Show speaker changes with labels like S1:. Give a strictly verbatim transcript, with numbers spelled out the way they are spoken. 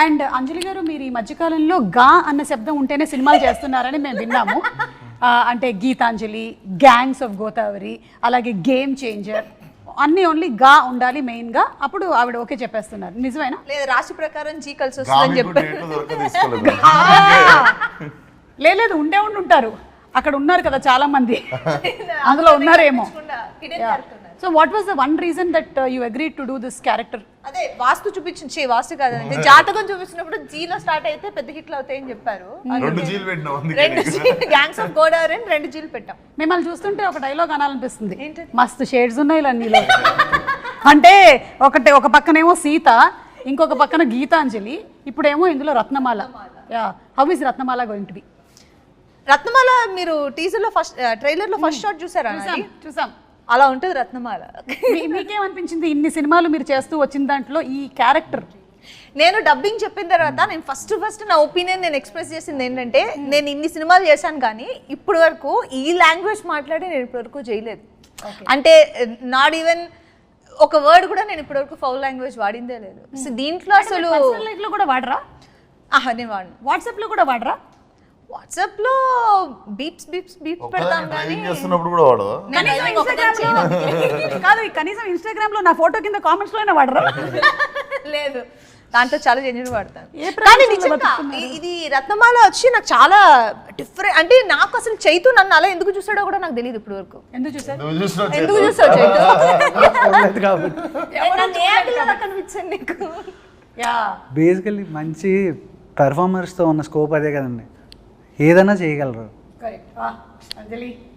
S1: And అంజలి గారు మీరు ఈ మధ్యకాలంలో గా అన్న శబ్దం ఉంటేనే సినిమాలు చేస్తున్నారని మేము విన్నాము. ఆ, అంటే గీతాంజలి, గ్యాంగ్స్ ఆఫ్ గోదావరి, అలాగే గేమ్ చేంజర్ అన్నీ ఓన్లీ గా ఉండాలి మెయిన్గా, అప్పుడు ఆవిడ ఓకే చెప్పేస్తున్నారు. నిజమేనా?
S2: లేదు, రాశి ప్రకారం జీ కలిసి వస్తుందని చెప్పారు.
S1: లేదు, ఉండే ఉండి ఉంటారు, అక్కడ ఉన్నారు కదా చాలా మంది, అందులో ఉన్నారేమో. So what was the one reason that you agreed to do this character?
S2: అదే వాస్తు చూపించి, వాస్తు కాదంటే జాతకం చూపించినప్పుడు జీలో స్టార్ట్ అయితే పెద్ద హిట్లు అవుతాయని చెప్పారు.
S3: రెండు జీలు పెట్టినాం,
S2: రెండు గ్యాంగ్స్ ఆఫ్ గోదావరి అని రెండు జీలు పెట్టాం.
S1: మిమ్మల్ని చూస్తుంటే ఒక డైలాగ్ అనాలనిపిస్తుంది, మస్తు షేడ్స్ ఉన్నాయి ఇలా నీలో. అంటే ఒకటి ఒక పక్కనేమో సీత, ఇంకొక పక్కన గీతాంజలి, ఇప్పుడేమో ఇందులో Ratnamala. Yeah, how is Ratnamala going to be?
S2: Ratnamala మీరు టీజర్ లో ఫస్ట్ ట్రైలర్ లో ఫస్ట్ షాట్ చూసారా?
S1: చూసాం.
S2: అలా ఉంటుంది రత్నమాల.
S1: మీకేమనిపించింది ఇన్ని సినిమాలు మీరు చేస్తూ వచ్చిన దాంట్లో ఈ క్యారెక్టర్?
S2: నేను డబ్బింగ్ చెప్పిన తర్వాత నేను ఫస్ట్ ఫస్ట్ నా ఒపీనియన్ నేను ఎక్స్ప్రెస్ చేసింది ఏంటంటే, నేను ఇన్ని సినిమాలు చేశాను కానీ ఇప్పటి వరకు ఈ లాంగ్వేజ్ మాట్లాడి నేను ఇప్పటి వరకు చేయలేదు. అంటే నాట్ ఈవెన్ ఒక వర్డ్ కూడా నేను ఇప్పటి వరకు ఫౌల్ లాంగ్వేజ్ వాడిందే లేదు. సో దీంట్లో అసలు
S1: లైఫ్ లో కూడా వాడరా?
S2: ఆహా, నేను వాడిను.
S1: వాట్సాప్ లో కూడా వాడరా?
S2: వాట్సాప్ లో బీప్స్ బీప్స్ బీప్స్ పెడతాం కానీ
S3: చేస్తున్నప్పుడు కూడా వాడదా?
S1: కాదు, కనీసం ఇన్స్టాగ్రామ్ లో నా ఫోటో కింద కామెంట్స్ లోనే వాడరా?
S2: లేదు, దాంట్లో చాలా జెన్యున్ వాడతాను. కానీ నిజంగా ఇది రత్నమాల వచ్చి నాకు చాలా డిఫరెంట్. అంటే నాకు అసలు చైతు నన్ను అలా ఎందుకు చూసాడో కూడా నాకు తెలియదు ఇప్పుడు వరకు.
S1: ఎందుకు చూసారు?
S2: ఎందుకు చూసావు చైతు?
S4: కనిపించండి నీకు. బేసికల్లీ మంచి పెర్ఫార్మర్స్తో ఉన్న స్కోప్ అదే కదండి, ఏదైనా చేయగలరు.
S1: అంజలి